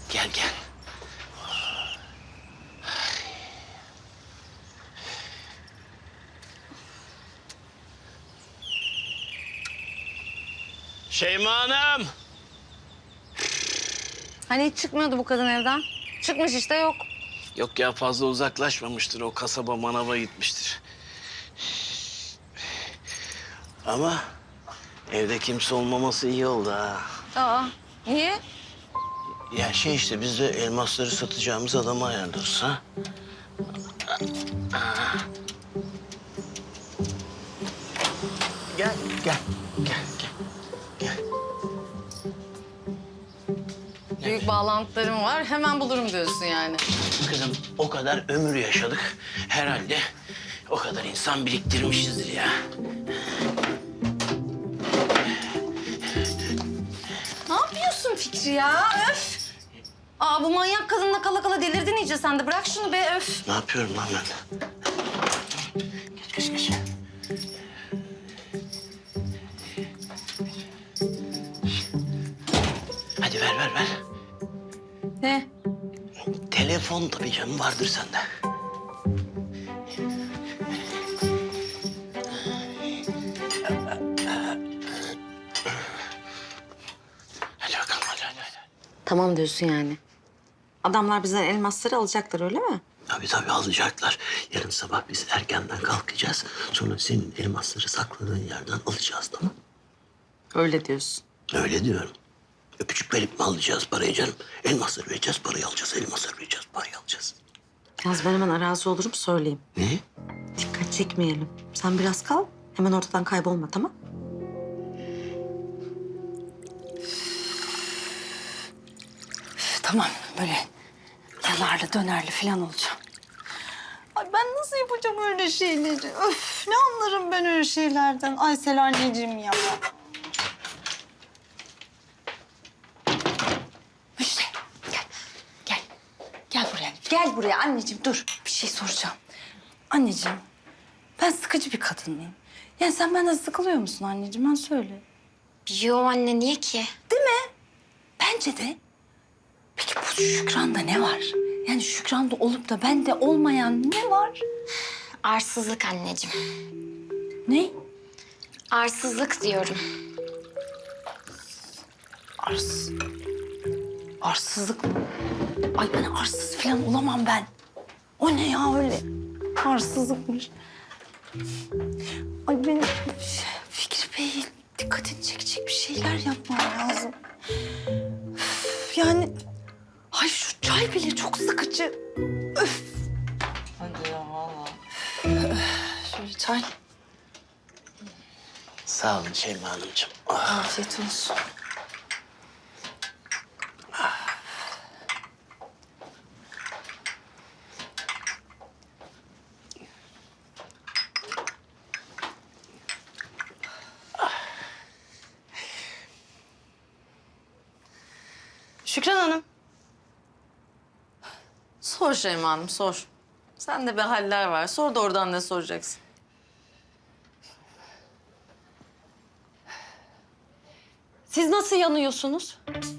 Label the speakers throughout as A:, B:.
A: Gel gel. Şeyma Hanım.
B: Hani hiç çıkmıyordu bu kadın evden. Çıkmış işte yok.
A: Yok ya, fazla uzaklaşmamıştır. O kasaba manava gitmiştir. Ama evde kimse olmaması iyi oldu ha.
B: Aa, niye?
A: Ya şey işte, biz de elmasları satacağımız adamı ayarlıyoruz ha. Gel, gel, gel, gel. Gel.
B: Büyük bağlantılarım var. Hemen bulurum diyorsun yani.
A: Kızım, o kadar ömür yaşadık. Herhalde o kadar insan biriktirmişizdir ya.
B: Ne yapıyorsun Fikri ya? Öf! Aa, bu manyak kadınla kala kala delirdin iyice sen de. Bırak şunu be, öf!
A: Ne yapıyorum lan ben? Geç, geç, geç. Hadi ver, ver, ver.
B: Ne?
A: Telefon tabii canım, vardır sende. Hadi bakalım, hadi.
B: Tamam diyorsun yani. Adamlar bizden elmasları alacaklar öyle mi?
A: Tabii alacaklar. Yarın sabah biz erkenden kalkacağız. Sonra senin elmasları sakladığın yerden alacağız, tamam?
B: Öyle diyorsun.
A: Öyle diyorum. Öpücük verip mi alacağız parayı canım? Elmasları vereceğiz, parayı alacağız. Elmasları vereceğiz, parayı alacağız.
B: Yalnız ben hemen arazi olurum söyleyeyim.
A: Ne?
B: Dikkat çekmeyelim. Sen biraz kal. Hemen ortadan kaybolma, tamam? Tamam, böyle yanarlı dönerli falan olacağım.
C: Ay ben nasıl yapacağım öyle şeyleri? Öf, ne anlarım ben öyle şeylerden. Aysel anneciğim ya. Müjde, gel. Gel. Gel buraya. Gel buraya anneciğim, dur. Bir şey soracağım. Anneciğim, ben sıkıcı bir kadın mıyım? Yani sen benden sıkılıyor musun anneciğim? Ben söyle.
D: Yo anne, niye ki?
C: Değil mi? Bence de. Peki bu Şükran'da ne var? Yani Şükran'da olup da bende olmayan ne var?
D: Arsızlık anneciğim.
C: Ne?
D: Arsızlık diyorum.
C: Arsızlık mı? Ay ben arsız falan olamam ben. O ne ya öyle? Arsızlıkmış. Ay benim Fikri Bey dikkatini çekecek bir şeyler yapmam lazım. Üf, yani ay şu çay bile çok sıkıcı. Öf. Hadi ya vallahi. Şöyle çay.
A: Sağ olun Şeyma Hanımcığım.
C: Afiyet olsun.
B: Şükran Hanım. Sor Şeyma Hanım, sor. Sende bir haller var. Sor da oradan ne soracaksın?
C: Siz nasıl yanıyorsunuz?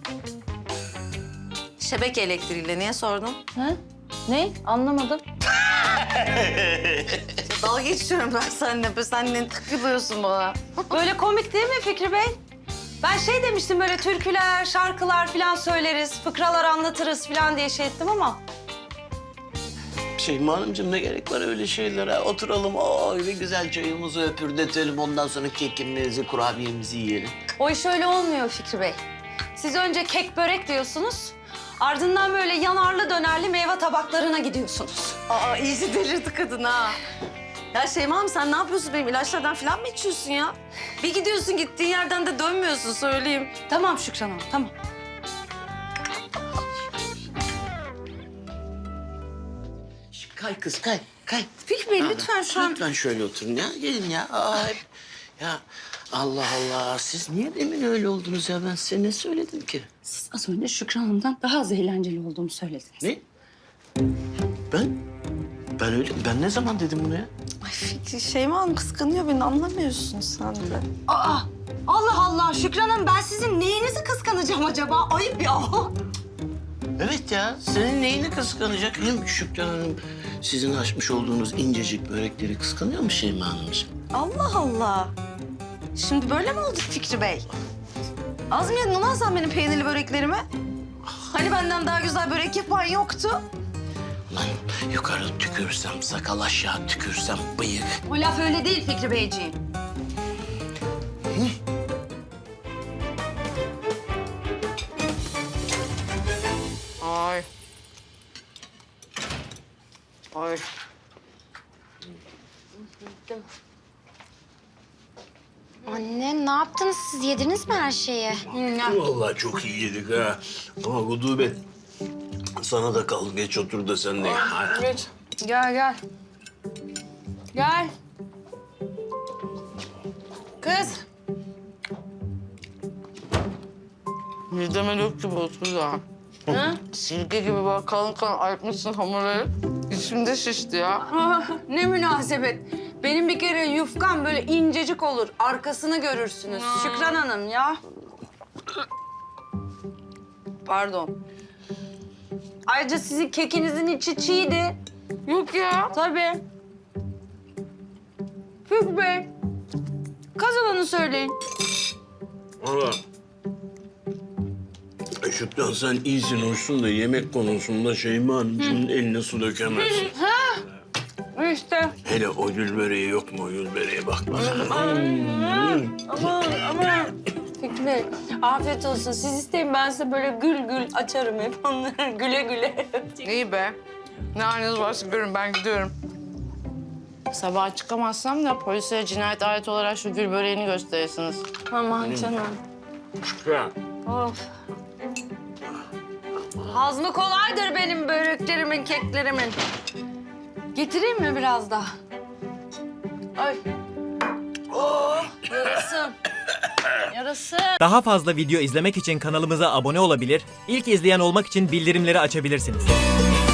B: Şebeke elektriğiyle niye sordun?
C: Ha? Ne? Anlamadım.
B: Dalga geçiyorum ben seninle. Sen ne takılıyorsun bana?
C: Böyle komik değil mi Fikri Bey? Ben şey demiştim böyle türküler, şarkılar falan söyleriz, fıkralar anlatırız falan diye şey ettim ama...
A: Şeyma Hanımcığım, ne gerek var öyle şeylere? Oturalım, öyle güzel çayımızı öpürdetelim. Ondan sonra kekimizi, kurabiyemizi yiyelim.
C: O iş öyle olmuyor Fikri Bey. Siz önce kek börek diyorsunuz, ardından böyle yanarlı dönerli meyve tabaklarına gidiyorsunuz.
B: Aa, iyice delirdi kadın ha. Ya Şeyma Hanım, sen ne yapıyorsun? Benim ilaçlardan falan mı içiyorsun ya? Bir gidiyorsun, gittiğin yerden de dönmüyorsun, söyleyeyim.
C: Tamam Şükran Hanım, tamam.
A: Kay kız, kay, kay.
C: Fikri Bey lütfen şu an...
A: Lütfen şöyle oturun ya. Gelin ya. Ya Allah Allah. Siz niye demin öyle oldunuz ya? Ben size ne söyledim ki?
C: Siz az önce Şükran Hanım'dan daha az eğlenceli olduğumu söylediniz.
A: Ne? Ben ne zaman dedim bunu ya?
C: Ay Fikri, Şeyma Hanım kıskanıyor beni, anlamıyorsun sen de. Aa, Allah Allah Şükran Hanım, ben sizin neyinizi kıskanacağım acaba? Ayıp ya.
A: Evet ya, senin neyini kıskanacak? Hem Şükran Hanım sizin açmış olduğunuz incecik börekleri kıskanıyor mu Şeyma Hanımcığım?
B: Allah Allah. Şimdi böyle mi olduk Fikri Bey? Az mı yedin ulan sen benim peynirli böreklerimi? Hani benden daha güzel börek yapan yoktu?
A: Lan yukarı tükürsem, sakal aşağı tükürsem bıyık.
B: O laf öyle değil Fikri Beyciğim. Ay. Ay.
D: Anne ne yaptınız siz? Yediniz mi her şeyi?
A: Vallahi çok iyi yedik ha. Ama Gudubet, sana da kal. Geç otur da sen de ye. Hadi.
B: Geç. Gel gel. Gel. Kız.
E: Mideme dök gibi otur da.
B: Hı?
E: Silke gibi böyle kalın kalın ayıtmışsın hamurları. İçimde şişti ya.
B: Ah, ne münasebet. Benim bir kere yufkam böyle incecik olur. Arkasını görürsünüz. Şükran Hanım ya. Pardon. Ayrıca sizin kekinizin içi çiğdi.
E: Yok ya.
B: Tabii. Fikri Bey. Kazananı söyleyin.
A: Valla. Şükran sen iyisin, hoşsun da yemek konusunda Şeyma Hanımcığımın eline su dökemezsin.
B: İşte.
A: Hele o gül böreği yok mu? O gül böreğe bak bak.
B: Aman. Fikri Bey, afiyet olsun. Siz isteyin, ben size böyle gül gül açarım hep onları. Güle güle.
E: İyi be. Ne haliniz varsa görün ben gidiyorum. Sabah çıkamazsam da polise cinayet aleti olarak şu gül böreğini gösterirsiniz.
B: Aman canım.
A: Şükran.
B: Of. Hazmı kolaydır benim böreklerimin, keklerimin. Getireyim mi biraz daha? Ay. Oh, yarasın. Yarasın.
F: Daha fazla video izlemek için kanalımıza abone olabilir, ilk izleyen olmak için bildirimleri açabilirsiniz.